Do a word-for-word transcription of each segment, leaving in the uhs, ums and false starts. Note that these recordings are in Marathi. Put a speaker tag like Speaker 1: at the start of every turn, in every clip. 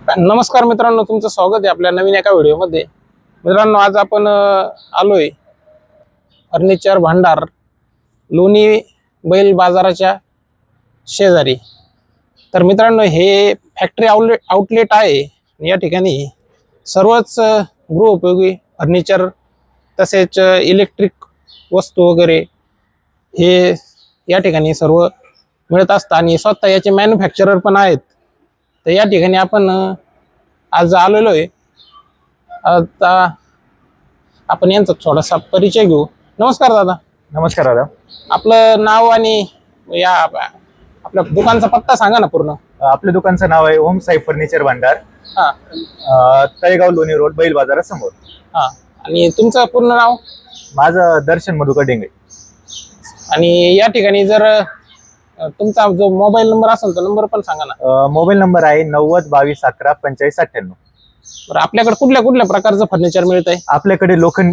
Speaker 1: नमस्कार मित्रांनो, तुमचं स्वागत आहे आपल्या नवीन एका व्हिडिओमध्ये। मित्रांनो, आज आपण आलोय फर्निचर भांडार लोणी बैल बाजाराच्या शेजारी। तर मित्रांनो, हे फॅक्टरी आउटलेट आउटलेट आहे। या ठिकाणी सर्वच गृहोपयोगी फर्निचर तसेच इलेक्ट्रिक वस्तू वगैरे हे या ठिकाणी सर्व मिळत असतात आणि स्वतः याचे मॅन्युफॅक्चरर पण आहेत। तर या ठिकाणी आपण आज आलेलो आहे। आता आपण यांचा थोडासा परिचय घेऊ। नमस्कार दादा।
Speaker 2: नमस्कार दादा।
Speaker 1: आपलं नाव आणि या आपल्या दुकानचा पत्ता सांगा ना पूर्ण।
Speaker 2: आपल्या दुकानचं नाव आहे ओम साई फर्निचर भांडार,
Speaker 1: हा,
Speaker 2: तळेगाव लोणी रोड, बैल बाजारासमोर।
Speaker 1: हा, आणि तुमचं पूर्ण नाव?
Speaker 2: माझं दर्शन मधुकर डेंगळे।
Speaker 1: आणि या ठिकाणी जर तुमचा जो मोबाईल नंबर असेल तो नंबर पण सांगा ना।
Speaker 2: मोबाईल नंबर आहे नव्वद बावीस अकरा पंचेचाळीस अठ्ठ्याण्णव।
Speaker 1: बरं, आपल्याकडे कुठल्या कुठल्या प्रकारचं फर्निचर मिळत आहे?
Speaker 2: आपल्याकडे लोखंड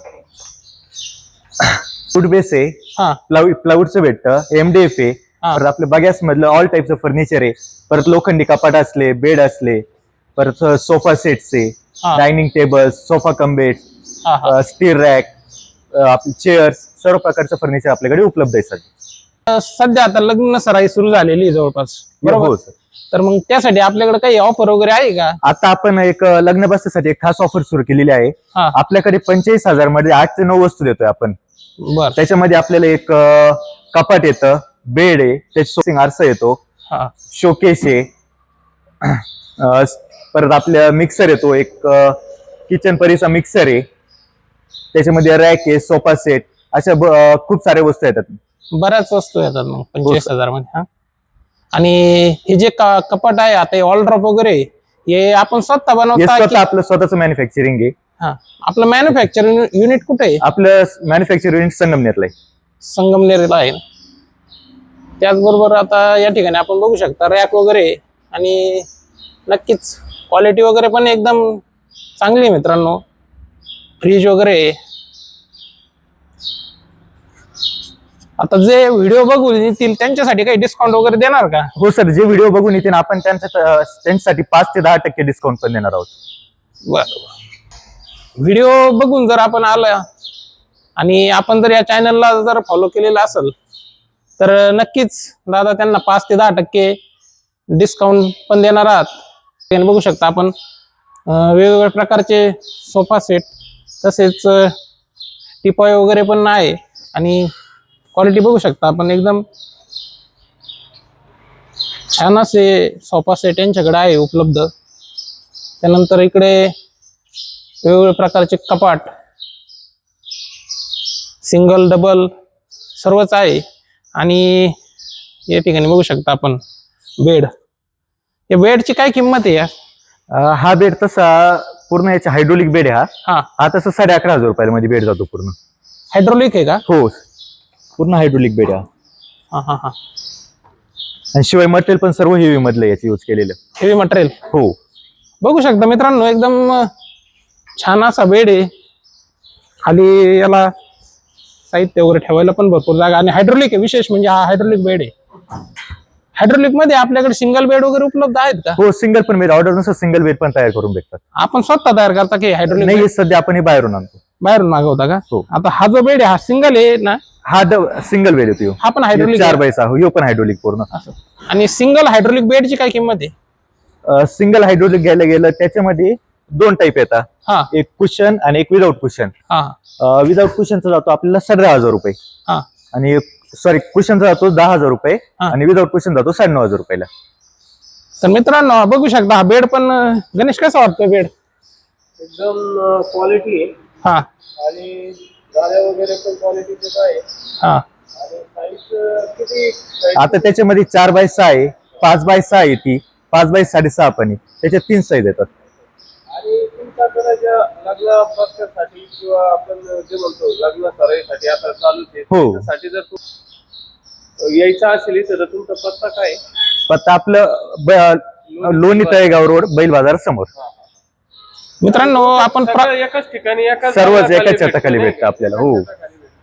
Speaker 2: वुड बेस आहे,
Speaker 1: हा,
Speaker 2: प्लाऊ प्लाऊडचं भेटतं, एमडीएफ आहे, परत आपल्या बगॅस मधलं ऑल टाईपचं फर्निचर आहे, परत लोखंडी कपाट असले, बेड असले, परत सोफा सेट्सचे, dining table, sofa cum bed, steel rack, आपले चेअर्स, सर्व प्रकारचं फर्निचर आपल्याकडे उपलब्ध आहे सर।
Speaker 1: सध्या आता लग्न सराई सुरू झालेली आहे जवळपास, बरोबर?
Speaker 2: हो सर।
Speaker 1: तर मग त्यासाठी आपल्याकडे काही ऑफर वगैरे आहे का?
Speaker 2: आता आपण एक लग्न बसण्यासाठी एक खास ऑफर सुरू केलेली आहे। आपल्याकडे पंचेचाळीस हजार मध्ये आठ ते नऊ वस्तू देतोय आपण।
Speaker 1: बर,
Speaker 2: त्याच्यामध्ये आपल्याला एक कपाट येतं, बेड आहे, त्याची आरसा येतो, शोकेस आहे, परत आपल्या मिक्सर येतो, एक किचन परीचा मिक्सर आहे, त्याच्यामध्ये रॅक आहे, सोफा सेट, अशा खूप साऱ्या वस्तू येतात।
Speaker 1: बऱ्याच वस्तू येतात मग पंचवीस हजार मध्ये। हा, आणि हे जे कपाट आहे आता ऑल ड्रॉप वगैरे हे आपण स्वतः बनवता?
Speaker 2: स्वतः आपलं स्वतःच मॅन्युफॅक्चरिंग आहे।
Speaker 1: हा, आपलं मॅन्युफॅक्चरिंग युनिट कुठे आहे?
Speaker 2: आपलं मॅन्युफॅक्चरिंग युनिट संगमनेरला आहे।
Speaker 1: संगमनेरला आहे। त्याचबरोबर आता या ठिकाणी आपण बघू शकता रॅक वगैरे, आणि नक्कीच क्वालिटी वगैरे पण एकदम चांगली आहे मित्रांनो। फ्रीज वगैरे। आता जे व्हिडिओ बघून येतील त्यांच्यासाठी काही डिस्काउंट वगैरे देणार का?
Speaker 2: हो सर, जे व्हिडिओ बघून येतील आपण त्यांच्या त्यांच्यासाठी पाच ते दहा टक्के डिस्काउंट पण देणार आहोत।
Speaker 1: बरोबर, व्हिडिओ बघून जर आपण आला आणि आपण जर या चॅनलला जर फॉलो केलेलं असेल तर नक्कीच दादा त्यांना पाच ते दहा टक्के डिस्काउंट पण देणार आहात। बघू शकता आपण वेगवेगळ्या प्रकारचे सोफा सेट तसेच टिपॉय वगैरे पण आहे, आणि क्वालिटी बघू शकता आपण एकदम छान असे सोफा सेट यांच्याकडे आहे उपलब्ध। त्यानंतर इकडे वेगवेगळ्या प्रकारचे कपाट, सिंगल डबल सर्वच आहे। आणि या ठिकाणी बघू शकता आपण बेड। या बेडची काय किंमत आहे? या
Speaker 2: हा बेड तसा पूर्ण याचा हायड्रोलिक बेड आहे। हा
Speaker 1: हा
Speaker 2: हा तसा साडे अकरा हजार रुपयाला मध्ये बेड जातो पूर्ण।
Speaker 1: हायड्रोलिक आहे का?
Speaker 2: हो, पूर्ण हायड्रोलिक बेड आहे।
Speaker 1: हा हा हा,
Speaker 2: आणि शिवाय मटेरियल पण सर्व हेवी मधलं याचं यूज केलेलं।
Speaker 1: Heavy material?
Speaker 2: हो,
Speaker 1: बघू शकता मित्रांनो एकदम छान असा बेड आहे। खाली याला साहित्य वगैरे ठेवायला पण भरपूर जागा, आणि हायड्रोलिक आहे। विशेष म्हणजे हा हायड्रोलिक बेड आहे। हायड्रोलिक मध्ये आपल्याकडे सिंगल बेड वगैरे उपलब्ध आहेत का?
Speaker 2: हो, सिंगल पण बेड ऑर्डर नुसार सिंगल बेड पण तयार करून भेटतात।
Speaker 1: आपण स्वतः तयार करता की हायड्रोलिक?
Speaker 2: नाही, सध्या आपण हे बाहेरून आणतो।
Speaker 1: बाहेरून मागवता का?
Speaker 2: हो।
Speaker 1: आता हा जो बेड आहे हा सिंगल आहे ना?
Speaker 2: हा सिंगल बेड येतो,
Speaker 1: हा पण हायड्रोलिक
Speaker 2: चार बायचा हो, पण हायड्रोलिक पूर्ण।
Speaker 1: आणि सिंगल हायड्रोलिक बेडची काय किंमत आहे?
Speaker 2: सिंगल हायड्रोलिक घ्यायला गेलं त्याच्यामध्ये दोन टाईप येतात,
Speaker 1: हा,
Speaker 2: एक कुशन आणि एक विदाउट कुशन।
Speaker 1: हा,
Speaker 2: विदाउट कुशनचा जातो आपल्याला सतरा हजार रुपये,
Speaker 1: हा,
Speaker 2: आणि सॉरी कुशनचा जातो दहा हजार रुपये, आणि विदाउट कुशन जातो साडे नऊ हजार रुपयाला।
Speaker 1: तर मित्रांनो बघू शकता हा बेड पण। गणेश, कसा वाटतोय बेड?
Speaker 3: एकदम क्वालिटी आहे।
Speaker 1: हा,
Speaker 3: आणि गाड्या वगैरे पण क्वालिटीचे आहे।
Speaker 1: हा,
Speaker 3: आणि साईज किती?
Speaker 2: आता त्याच्यामध्ये चार बाय सहा आहे, पाच बाय सहा आहे, ती पाच बाय साडेसहा पण आहे, त्याच्यात तीन साईज येतात।
Speaker 3: आणि तुमच्याकडे ज्या लग्न बसण्यासाठी किंवा आपण जे म्हणतो लग्न सराईसाठी आता चालूच आहे, त्यासाठी जर तू यायचं असेल तर तुमचा पत्ता काय?
Speaker 2: पत्ता आपलं लोणी तळेगाव रोड, बैल बाजार समोर।
Speaker 1: मित्रांनो आपण
Speaker 3: एकाच ठिकाणी एकाच
Speaker 2: सर्वच एकाच छताखाली भेटतं आपल्याला। हो,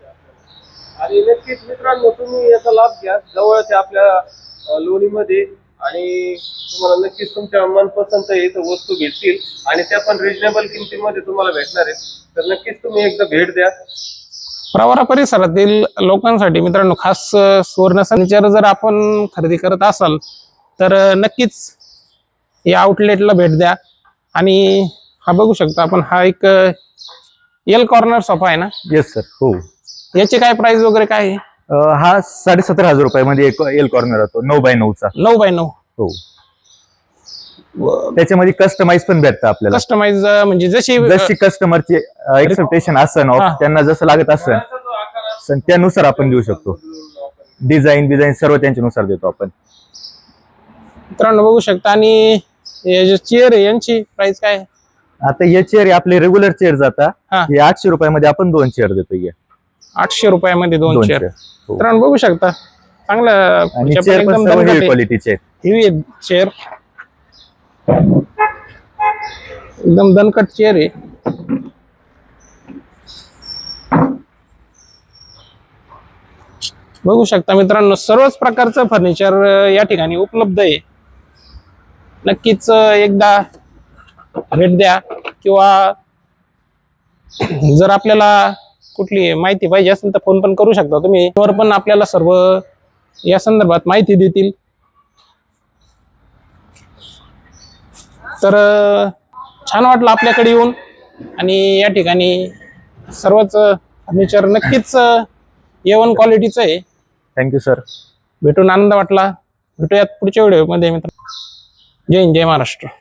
Speaker 3: आणि नक्कीच मित्रांनो तुम्ही याचा लाभ घ्या। जवळच्या आपल्या लोणीमध्ये आणि तुम्हाला नक्कीच तुमच्या मनपसंत इथं वस्तू भेटतील आणि त्या पण रिजनेबल किमतीमध्ये तुम्हाला भेटणार आहेत. तर नक्कीच तुम्ही एकदा भेट द्या.
Speaker 1: प्रवरा परिसरातील लोकांसाठी मित्रांनो खास अ, सुवर्ण फर्निचर जर आपण खरेदी करत असाल तर अ, नक्कीच या आउटलेटला भेट द्या. आणि हा बघू शकता आपण, हा एक एल कॉर्नर सोफा आहे ना,
Speaker 2: येस सर. हो.
Speaker 1: याची काय प्राइस वगैरे काय आहे?
Speaker 2: अं, हा साडेसत्तर हजार रुपयामध्ये एक एल कॉर्नर होतो, नऊ बाय नऊचा.
Speaker 1: नऊ बाय नऊ.
Speaker 2: हो. त्याच्यामध्ये कस्टमाइज पण भेटतं आपल्याला.
Speaker 1: कस्टमाइज म्हणजे जशी
Speaker 2: जशी कस्टमरची एक्सेप्टेशन असन,
Speaker 1: हा.
Speaker 2: त्यांना जसं लागत असन
Speaker 3: घराचा जो आकार असतो,
Speaker 2: त्यानुसार आपण देऊ शकतो.
Speaker 3: बदलून आपण
Speaker 2: डिझाईन डिझाईन सर्व त्यांच्यानुसार देतो आपण.
Speaker 1: मित्रांनो बघू शकता. आणि हे जे चेअर आहे यांची प्राइस काय आहे?
Speaker 2: आता हे चेअर आपले रेग्युलर चेअर जाता,
Speaker 1: हा.
Speaker 2: हे आठशे रुपयामध्ये आपण दोन चेअर देतो. हे
Speaker 1: आठशे रुपयामध्ये दोन
Speaker 2: दोन
Speaker 1: चेअर.
Speaker 2: चेअर. हो.
Speaker 1: मित्रांनो बघू शकता चांगलं
Speaker 2: आणि चेअर पण सर्व हेवी क्वालिटीचे आहेत.
Speaker 1: हेवी चेअर, एकदम दणकट चेअर आहे. बघू शकता मित्रांनो सर्वच प्रकारचं फर्निचर या ठिकाणी उपलब्ध आहे. नक्कीच एकदा भेट द्या. किंवा जर आपल्याला कुठली माहिती पाहिजे असेल तर फोन पण करू शकता तुम्ही. वर पण आपल्याला सर्व या संदर्भात माहिती देतील. तर छान वाटलं आपल्याकडे येऊन. आणि या ठिकाणी सर्वच फर्निचर नक्कीच ए वन क्वालिटीचं आहे.
Speaker 2: Thank you sir.
Speaker 1: भेटून आनंद वाटला. भेटूयात पुढच्या व्हिडिओमध्ये मित्र. जय हिंद, जय महाराष्ट्र.